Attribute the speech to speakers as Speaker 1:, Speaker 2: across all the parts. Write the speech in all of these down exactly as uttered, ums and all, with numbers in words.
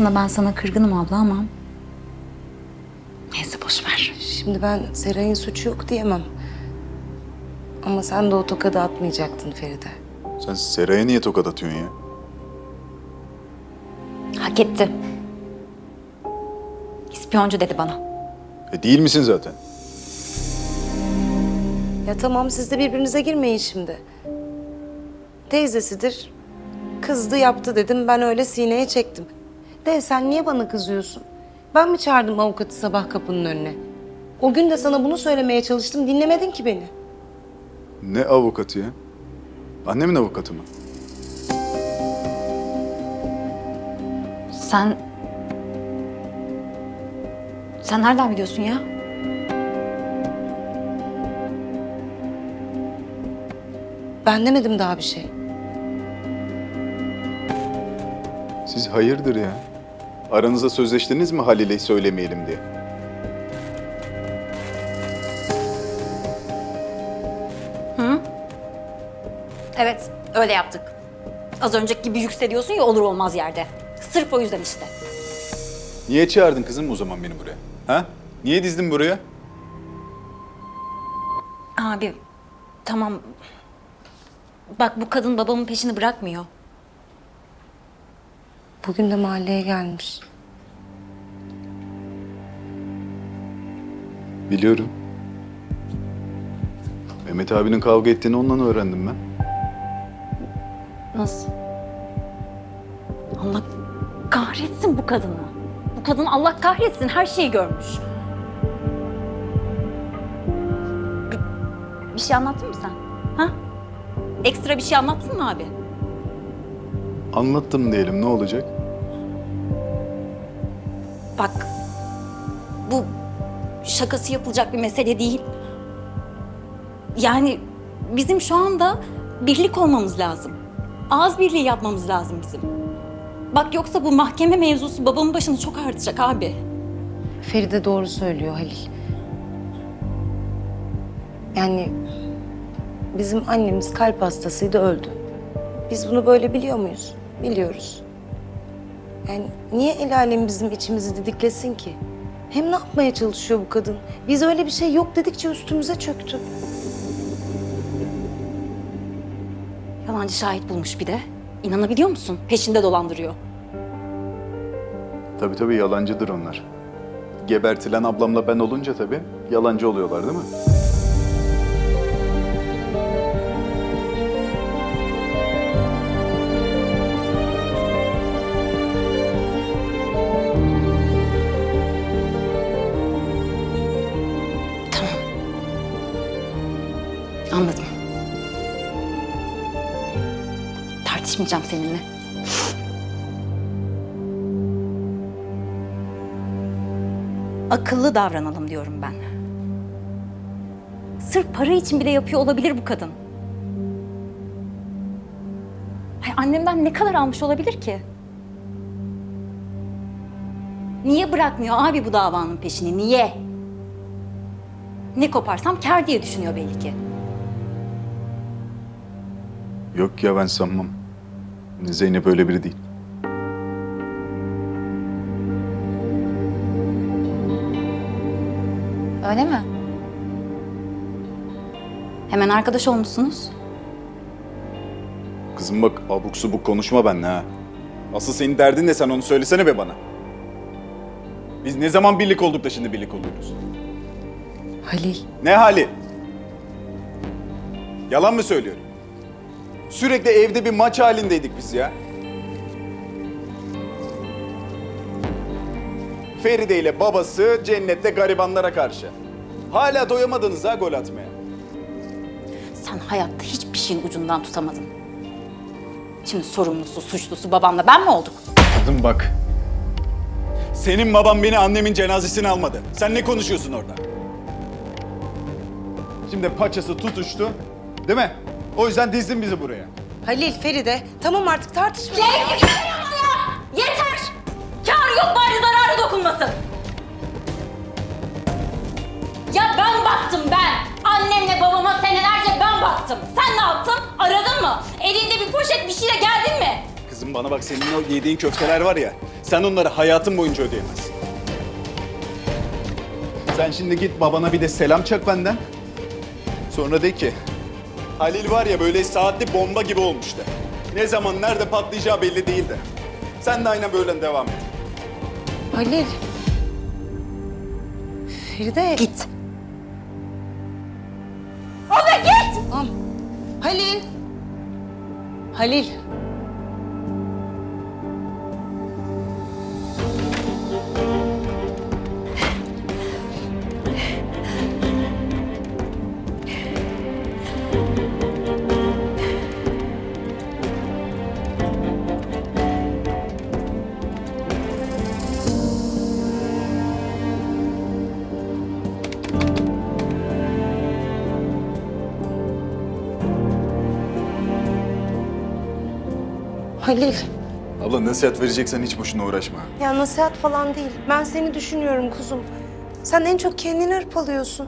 Speaker 1: aslında ben sana kırgınım abla ama... Neyse boş ver.
Speaker 2: Şimdi ben Seray'ın suçu yok diyemem. Ama sen de o tokadı atmayacaktın Feride.
Speaker 3: Sen Seray'a niye tokat atıyorsun ya?
Speaker 1: Hak etti. İspiyoncu dedi bana.
Speaker 3: E değil misin zaten?
Speaker 2: Ya tamam, siz de birbirinize girmeyin şimdi. Teyzesidir. Kızdı yaptı dedim, ben öyle sineye çektim. De sen niye bana kızıyorsun? Ben mi çağırdım avukatı sabah kapının önüne? O gün de sana bunu söylemeye çalıştım, dinlemedin ki beni.
Speaker 3: Ne avukatı ya? Annemin avukatı mı?
Speaker 1: Sen... Sen nereden biliyorsun ya?
Speaker 2: Ben demedim daha bir şey.
Speaker 3: Siz hayırdır ya? Aranızda sözleştiniz mi Halil'e söylemeyelim diye?
Speaker 1: Evet, öyle yaptık. Az önceki gibi yükseliyorsun ya olur olmaz yerde. Sırf o yüzden işte.
Speaker 3: Niye çağırdın kızım o zaman beni buraya? Ha? Niye dizdin buraya?
Speaker 1: Abi, tamam. Bak bu kadın babamın peşini bırakmıyor.
Speaker 2: Bugün de mahalleye gelmiş.
Speaker 3: Biliyorum. Mehmet abinin kavga ettiğini ondan öğrendim ben.
Speaker 1: Nasıl? Allah kahretsin bu kadını. Bu kadın Allah kahretsin her şeyi görmüş. Bir, bir şey anlattın mı sen? Ha? Ekstra bir şey anlattın mı abi?
Speaker 3: Anlattım diyelim, ne olacak?
Speaker 1: Bak, bu şakası yapılacak bir mesele değil. Yani bizim şu anda birlik olmamız lazım. Ağız birliği yapmamız lazım bizim. Bak yoksa bu mahkeme mevzusu babamın başını çok ağrıtacak abi.
Speaker 2: Feride doğru söylüyor Halil. Yani bizim annemiz kalp hastasıydı, öldü. Biz bunu böyle biliyor muyuz? Biliyoruz. Yani niye el alem bizim içimizi didiklesin ki? Hem ne yapmaya çalışıyor bu kadın? Biz öyle bir şey yok dedikçe üstümüze çöktü.
Speaker 1: Yalancı şahit bulmuş bir de. İnanabiliyor musun? Peşinde dolandırıyor.
Speaker 3: Tabii tabii yalancıdır onlar. Gebertilen ablamla ben olunca tabii yalancı oluyorlar değil mi?
Speaker 1: Tamam. Anladım. Tartışmayacağım seninle. Akıllı davranalım diyorum ben. Sırf para için bile yapıyor olabilir bu kadın. Ay, annemden ne kadar almış olabilir ki? Niye bırakmıyor abi bu davanın peşini? Niye? Ne koparsam kâr diye düşünüyor belli ki.
Speaker 3: Yok ya, ben sanmam. Zeynep öyle biri değil.
Speaker 1: Öyle mi? Hemen arkadaş olmuşsunuz.
Speaker 3: Kızım bak, abuk subuk konuşma benimle ha. Asıl senin derdin ne, sen onu söylesene be bana. Biz ne zaman birlik olduk da şimdi birlik oluyoruz?
Speaker 2: Halil,
Speaker 3: Ne hali? Yalan mı söylüyorum? Sürekli evde bir maç halindeydik biz ya. Feride ile babası cennette garibanlara karşı. Hala doyamadınız ha gol atmaya.
Speaker 1: Sen hayatta hiçbir şeyin ucundan tutamadın. Şimdi sorumlusu, suçlusu babamla ben mi olduk?
Speaker 3: Kızım bak. Senin baban beni annemin cenazesine almadı. Sen ne konuşuyorsun orada? Şimdi paçası tutuştu, değil mi? O yüzden dizdin bizi buraya.
Speaker 2: Halil, Feride, tamam artık tartışmayın.
Speaker 1: Yeter! Yeter! Kâr yok bari zararı dokunmasın. Ya ben baktım ben. Annemle babama senelerce ben baktım. Sen ne yaptın? Aradın mı? Elinde bir poşet bir şeyle geldin mi?
Speaker 3: Kızım bana bak, senin o yediğin köfteler var ya, sen onları hayatın boyunca ödeyemezsin. Sen şimdi git babana bir de selam çak benden. Sonra de ki, Halil var ya böyle saatli bomba gibi olmuş de. Ne zaman nerede patlayacağı belli değil de. Sen de aynen böyle devam et.
Speaker 2: Halil. Feride.
Speaker 1: Git.
Speaker 2: Tamam. Halil. Halil. Halil.
Speaker 3: Abla nasihat vereceksen hiç boşuna uğraşma.
Speaker 2: Ya nasihat falan değil. Ben seni düşünüyorum kuzum. Sen en çok kendini hırpalıyorsun.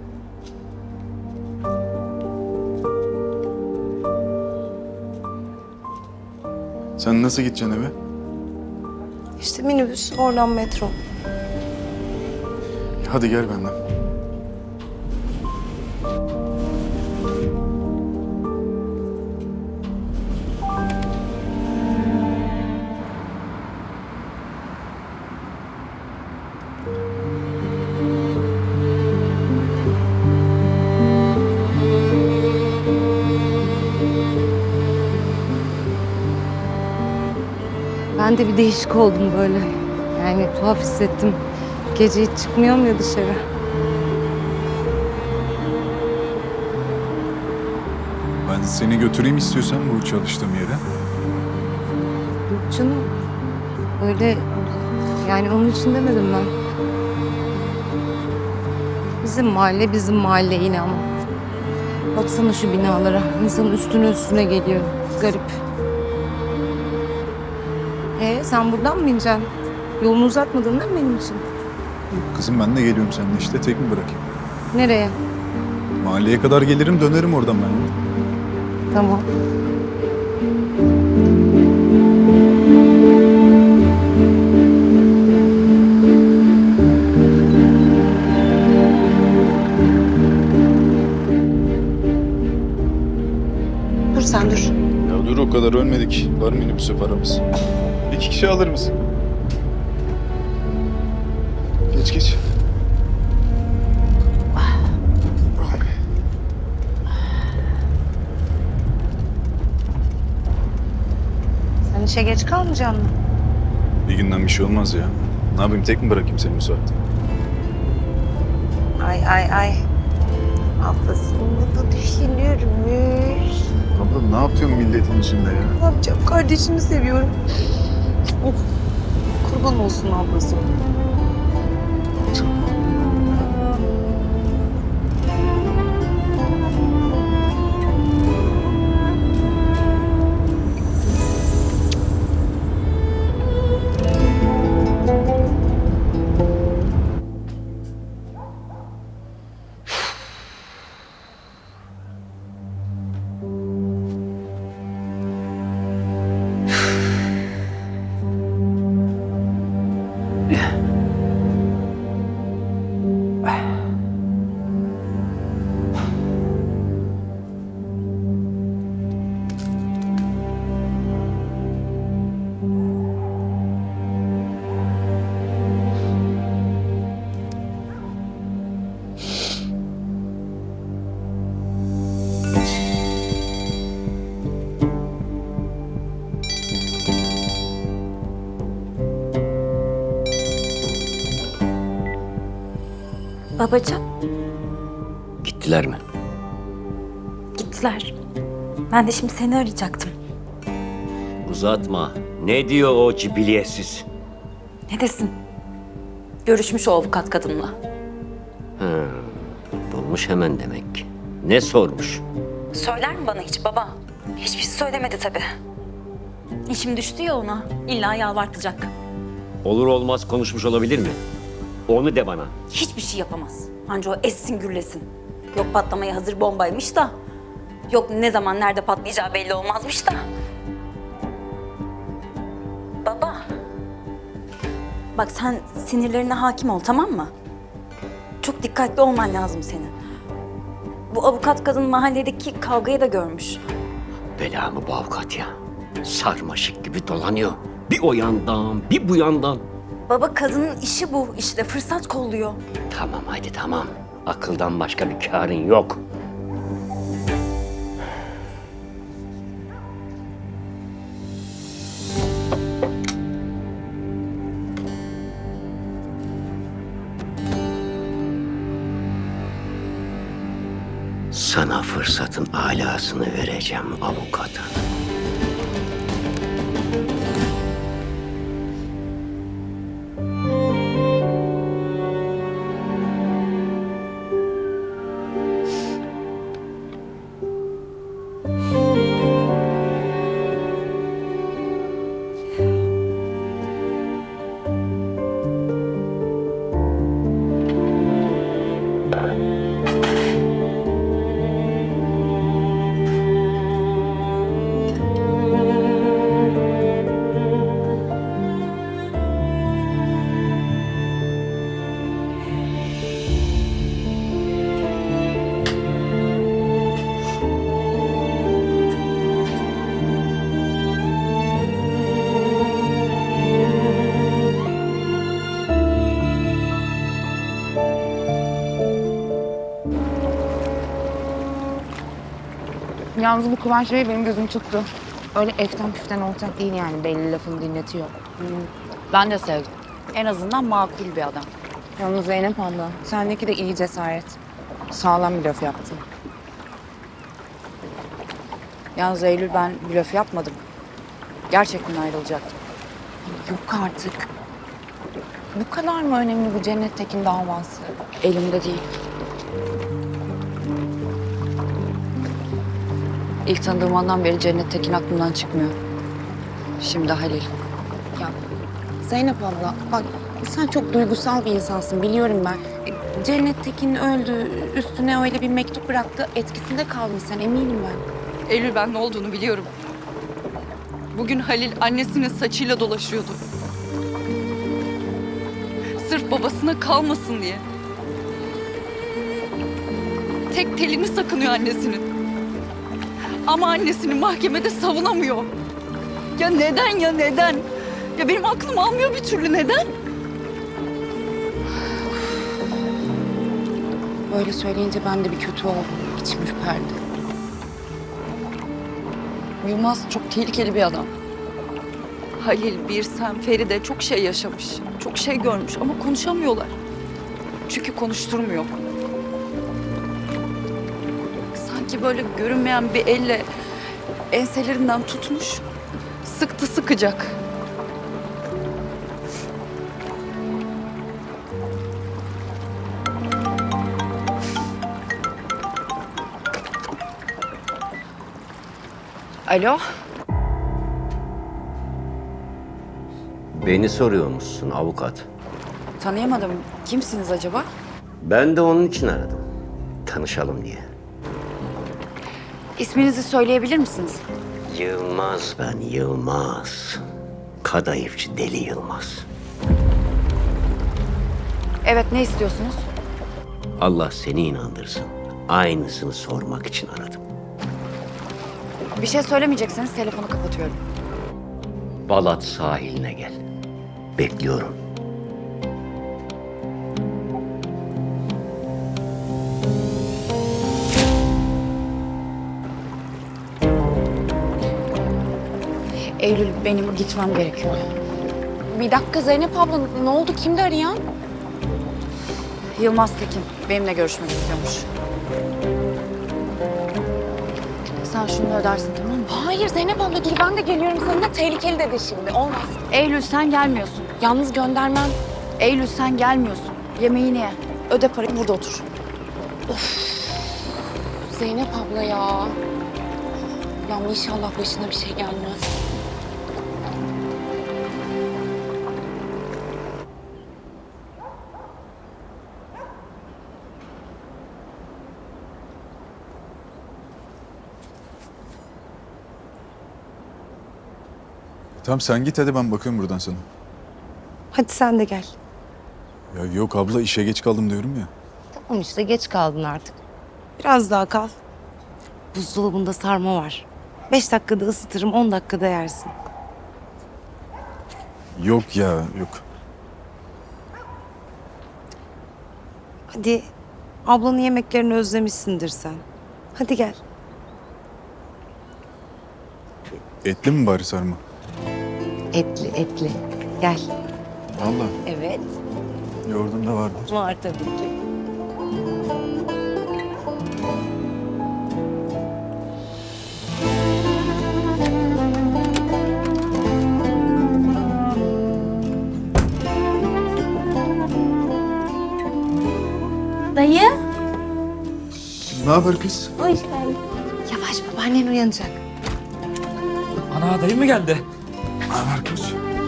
Speaker 3: Sen nasıl gideceksin eve?
Speaker 2: İşte minibüs, oradan metro.
Speaker 3: Hadi gel benden.
Speaker 2: Ben de bir değişik oldum böyle. Yani tuhaf hissettim. Gece hiç çıkmıyorum ya dışarı.
Speaker 3: Ben seni götüreyim istiyorsan bu çalıştığım yere.
Speaker 2: Yok canım. Öyle yani onun için demedim ben. Bizim mahalle bizim mahalle yine ama. Baksana şu binalara. İnsanın üstüne üstüne geliyor. Garip. Ee sen buradan mı ineceksin? Yolunu uzatmadın değil mi benim için?
Speaker 3: Kızım ben de geliyorum seninle işte, tek mi bırakayım?
Speaker 2: Nereye?
Speaker 3: Mahalleye kadar gelirim, dönerim oradan ben ya.
Speaker 2: Tamam. Dur sen dur.
Speaker 3: Ya dur, o kadar ölmedik. Var minibüse paramız. İki kişi alır mısın? Geç geç.
Speaker 2: Sen işe geç kalmayacaksın mı?
Speaker 3: Bir günden bir şey olmaz ya. Ne yapayım, tek mi bırakayım seni bu saatte?
Speaker 2: Ay ay ay. Ablasını da düşünürmüş.
Speaker 3: Abla ne yapıyorsun milletin içinde ya?
Speaker 2: Ne yapacağım? Kardeşimi seviyorum. Of. Kurban olsun ablası.
Speaker 1: Babacığım,
Speaker 4: Gittiler mi?
Speaker 1: gittiler. Ben de şimdi seni arayacaktım.
Speaker 4: Uzatma. Ne diyor o cibiliyetsiz?
Speaker 1: Ne desin? Görüşmüş o avukat kadınla.
Speaker 4: Bulmuş hemen demek ki. Ne sormuş?
Speaker 1: Söyler mi bana hiç baba? Hiçbir şey söylemedi tabii. İşim düştü ya ona. İlla yalvartacak.
Speaker 4: Olur olmaz konuşmuş olabilir mi? Onu de bana.
Speaker 1: Hiçbir şey yapamaz. Anca o essin gürlesin. Yok patlamaya hazır bombaymış da. Yok ne zaman nerede patlayacağı belli olmazmış da. Baba. Bak sen sinirlerine hakim ol, tamam mı? Çok dikkatli olman lazım senin. Bu avukat kadın mahalledeki kavgayı da görmüş.
Speaker 4: Bela mı bu avukat ya? Sarmaşık gibi dolanıyor. Bir o yandan, bir bu yandan.
Speaker 1: Baba kadının işi bu işte, fırsat kolluyor.
Speaker 4: Tamam hadi tamam. Akıldan başka bir kârın yok. Sana fırsatın alasını vereceğim avukat hanım.
Speaker 5: Yalnız bu Kıvanç Bey benim gözüm tuttu. Öyle eften püften olacak değil yani. Belli lafını dinletiyor.
Speaker 6: Ben de sevdim. En azından makul bir adam.
Speaker 5: Yalnız Zeynep abla, sendeki de iyi cesaret. Sağlam bir laf yaptın.
Speaker 6: Yalnız Eylül ben blöf yapmadım. Gerçekten ayrılacaktım.
Speaker 5: Yok artık. Bu kadar mı önemli bu Cennet Tekin davası?
Speaker 6: Elimde değil. İlk tanıdığım andan beri Cennet Tekin aklımdan çıkmıyor. Şimdi Halil.
Speaker 5: Ya Zeynep abla, bak sen çok duygusal bir insansın biliyorum ben. E, Cennet Tekin öldü, üstüne öyle bir mektup bıraktı. Etkisinde kaldın sen, eminim ben.
Speaker 7: Eylül ben ne olduğunu biliyorum. Bugün Halil annesinin saçıyla dolaşıyordu. Sırf babasına kalmasın diye. Tek telini sakınıyor annesinin. Ama annesini mahkemede savunamıyor. Ya neden ya neden? Ya benim aklım almıyor bir türlü, neden?
Speaker 5: Böyle söyleyince ben de bir kötü oldum. İçim ürperdi.
Speaker 7: Yılmaz çok tehlikeli bir adam. Halil, Birsem, Feride çok şey yaşamış. Çok şey görmüş ama konuşamıyorlar. Çünkü konuşturmuyor. Sanki böyle görünmeyen bir elle enselerinden tutmuş, sıktı sıkacak.
Speaker 6: Alo?
Speaker 4: Beni soruyor musun avukat?
Speaker 6: Tanıyamadım. Kimsiniz acaba?
Speaker 4: Ben de onun için aradım. Tanışalım diye.
Speaker 6: İsminizi söyleyebilir misiniz?
Speaker 4: Yılmaz ben, Yılmaz. Kadayıfçı Deli Yılmaz.
Speaker 6: Evet, ne istiyorsunuz?
Speaker 4: Allah seni inandırsın. Aynısını sormak için aradım.
Speaker 6: Bir şey söylemeyecekseniz telefonu kapatıyorum.
Speaker 4: Balat sahiline gel. Bekliyorum.
Speaker 6: Eylül, benim gitmem gerekiyor.
Speaker 5: Bir dakika Zeynep abla, ne oldu? Kimdi arayan?
Speaker 6: Yılmaz Tekin benimle görüşmek istiyormuş. Sen şunu ödersin, tamam mı?
Speaker 5: Hayır Zeynep abla, dur ben de geliyorum seninle. Tehlikeli dedi şimdi, olmaz.
Speaker 6: Eylül sen gelmiyorsun.
Speaker 5: Yalnız göndermem.
Speaker 6: Eylül sen gelmiyorsun. Yemeğini ye. Öde parayı, burada otur.
Speaker 5: Zeynep abla ya. Ya inşallah başına bir şey gelmez.
Speaker 8: Tamam sen git hadi, ben bakıyorum buradan sana.
Speaker 2: Hadi sen de gel.
Speaker 8: Ya yok abla, işe geç kaldım diyorum ya.
Speaker 2: Tamam işte geç kaldın artık. Biraz daha kal. Buzdolabında sarma var. Beş dakikada ısıtırım, on dakikada yersin.
Speaker 8: Yok ya yok.
Speaker 2: Hadi ablanın yemeklerini özlemişsindir sen. Hadi gel.
Speaker 8: Etli mi bari sarma?
Speaker 2: Etli etli. Gel.
Speaker 8: Vallahi
Speaker 2: Evet.
Speaker 8: yoğurdum da vardı.
Speaker 2: Var tabii ki.
Speaker 1: Dayı.
Speaker 8: Ne haber kız?
Speaker 2: Yavaş, babaannen uyanacak.
Speaker 9: Ana dayı mı geldi?
Speaker 8: Ne haber kız?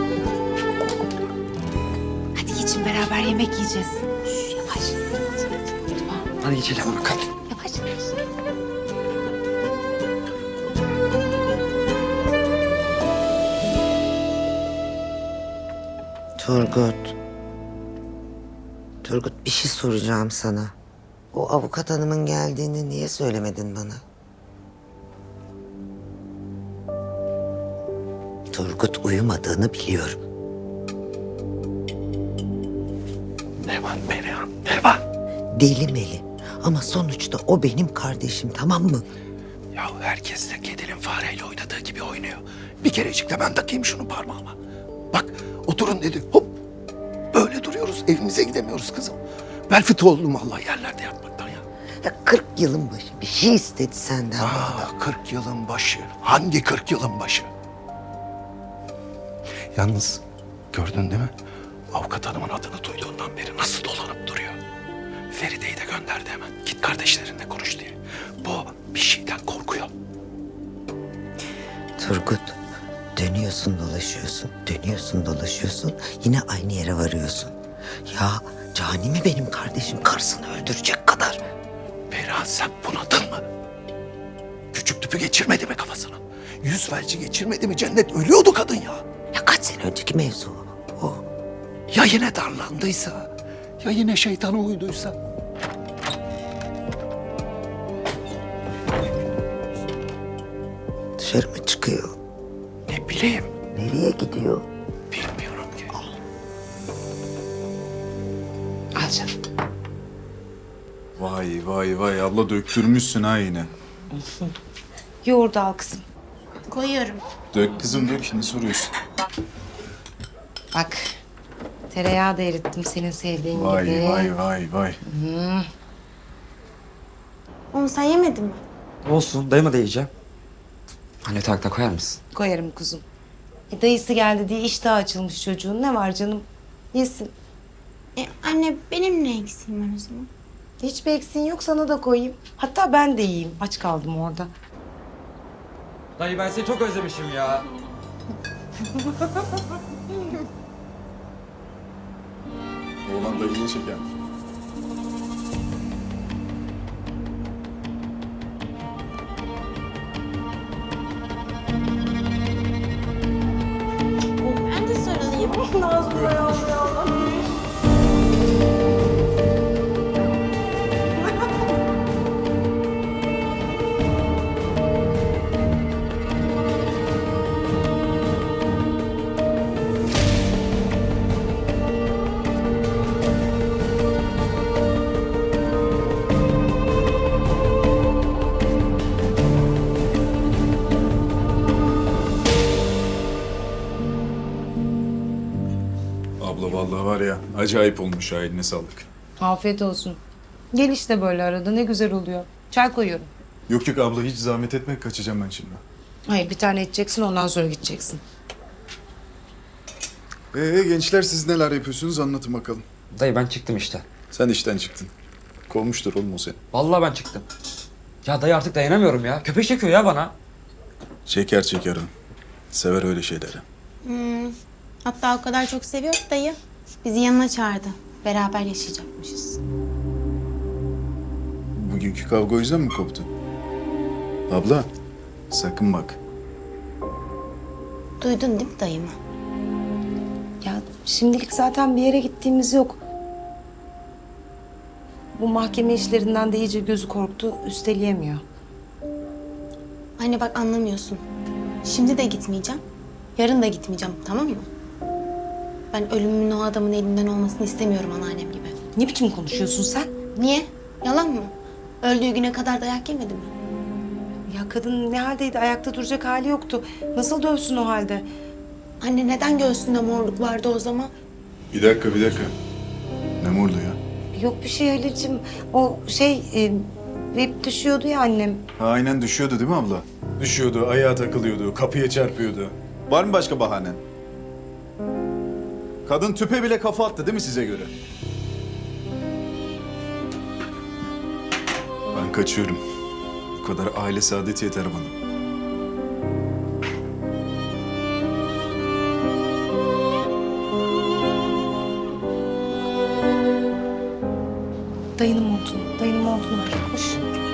Speaker 2: Hadi geçin, beraber yemek yiyeceğiz. Şş, yavaş.
Speaker 9: Hadi geçelim bakalım.
Speaker 2: Yavaş.
Speaker 10: Turgut. Turgut, bir şey soracağım sana. O avukat hanımın geldiğini niye söylemedin bana? Turgut, uyumadığını biliyorum.
Speaker 4: Ne var Perihan, ne var?
Speaker 10: Deli meli. Ama sonuçta o benim kardeşim, tamam mı?
Speaker 4: Ya herkes de kedinin fareyle oynadığı gibi oynuyor. Bir kerecik de ben takayım şunu parmağıma. Bak oturun dedi, hop. Böyle duruyoruz, evimize gidemiyoruz kızım. Bel fıtığı oldum vallahi yerlerde yatmaktan ya.
Speaker 10: Ya kırk yılın başı bir şey istedi senden bu adam.
Speaker 4: Aa, kırk yılın başı. Hangi kırk yılın başı? Yalnız gördün değil mi? Avukat hanımın adını duyduğundan beri nasıl dolanıp duruyor. Feride'yi de gönderdi hemen. Git kardeşlerinle konuş diye. Bu bir şeyden korkuyor.
Speaker 10: Turgut, dönüyorsun dolaşıyorsun, dönüyorsun dolaşıyorsun, yine aynı yere varıyorsun. Ya Cani mi benim kardeşim, karısını öldürecek kadar?
Speaker 4: Perihan, sen bunadın mı? Küçük tüpü geçirmedi mi kafasına? Yüz felci geçirmedi mi? Cennet ölüyordu kadın ya.
Speaker 10: Ya kaç sene önceki mevzu o. o.
Speaker 4: Ya yine darlandıysa? Ya yine şeytana uyduysa?
Speaker 10: Dışarı mı çıkıyor?
Speaker 4: Ne bileyim.
Speaker 10: Nereye gidiyor?
Speaker 4: Bilmiyorum ki.
Speaker 10: Al canım.
Speaker 8: Vay vay vay abla, döktürmüşsün ha yine.
Speaker 2: Yoğurdu al kızım.
Speaker 6: Koyuyorum.
Speaker 8: Dök kızım dök, ne soruyorsun?
Speaker 2: Bak, tereyağı da erittim senin sevdiğin
Speaker 8: Vay
Speaker 2: gibi.
Speaker 8: vay vay vay.
Speaker 6: Oğlum sen yemedin mi?
Speaker 9: Olsun, dayıma da yiyeceğim. Anne takta koyar mısın?
Speaker 2: Koyarım kuzum. E, dayısı geldi diye iştah açılmış çocuğun. Ne var canım? Yesin.
Speaker 6: E, anne benim ne eksiğim var o zaman?
Speaker 2: Hiçbir eksiğin yok, sana da koyayım. Hatta ben de yiyeyim. Aç kaldım orada.
Speaker 9: Dayı ben seni çok özlemişim ya.
Speaker 8: Oğlan dayıyı çeker.
Speaker 6: Ben de sarılayım.
Speaker 8: Abla vallahi var ya, acayip olmuş ha, eline sağlık.
Speaker 2: Afiyet olsun. Gel işte böyle arada, ne güzel oluyor. Çay koyuyorum.
Speaker 8: Yok yok abla, hiç zahmet etme, kaçacağım ben şimdi.
Speaker 2: Hayır, bir tane içeceksin, ondan sonra gideceksin.
Speaker 8: Ee gençler, siz neler yapıyorsunuz, anlatın bakalım.
Speaker 9: Dayı ben çıktım işte.
Speaker 8: Sen işten çıktın. Kovmuştur oğlum o seni.
Speaker 9: Vallahi ben çıktım. Ya dayı artık dayanamıyorum ya. Köpek çekiyor ya bana.
Speaker 8: Çeker çeker o. Sever öyle şeyleri.
Speaker 6: Hmm. Hatta o kadar çok seviyor ki dayı. Bizi yanına çağırdı. Beraber yaşayacakmışız.
Speaker 8: Bugünkü kavga o yüzden mi koptu? Abla, sakın bak.
Speaker 6: Duydun değil mi dayımı?
Speaker 2: Ya şimdilik zaten bir yere gittiğimiz yok. Bu mahkeme işlerinden de iyice gözü korktu, üsteleyemiyor.
Speaker 6: Anne bak anlamıyorsun. Şimdi de gitmeyeceğim. Yarın da gitmeyeceğim, tamam mı? Ben ölümümün o adamın elinden olmasını istemiyorum anneannem gibi.
Speaker 2: Ne biçim konuşuyorsun sen?
Speaker 6: Niye? Yalan mı? Öldüğü güne kadar dayak yemedi mi?
Speaker 2: Ya kadın ne haldeydi? Ayakta duracak hali yoktu. Nasıl dövsün o halde?
Speaker 6: Anne neden göğsünde morluk vardı o zaman?
Speaker 8: Bir dakika bir dakika. Ne mordu ya?
Speaker 2: Yok bir şey Halil'cim. O şey e, hep düşüyordu ya annem.
Speaker 8: Ha, aynen düşüyordu değil mi abla? Düşüyordu, ayağa takılıyordu, kapıya çarpıyordu.
Speaker 3: Var mı başka bahanen? Kadın tüpe bile kafa attı değil mi size göre?
Speaker 8: Ben kaçıyorum. Bu kadar aile saadeti yeter bana.
Speaker 2: Dayının montunu, dayının montunu ver. Koş.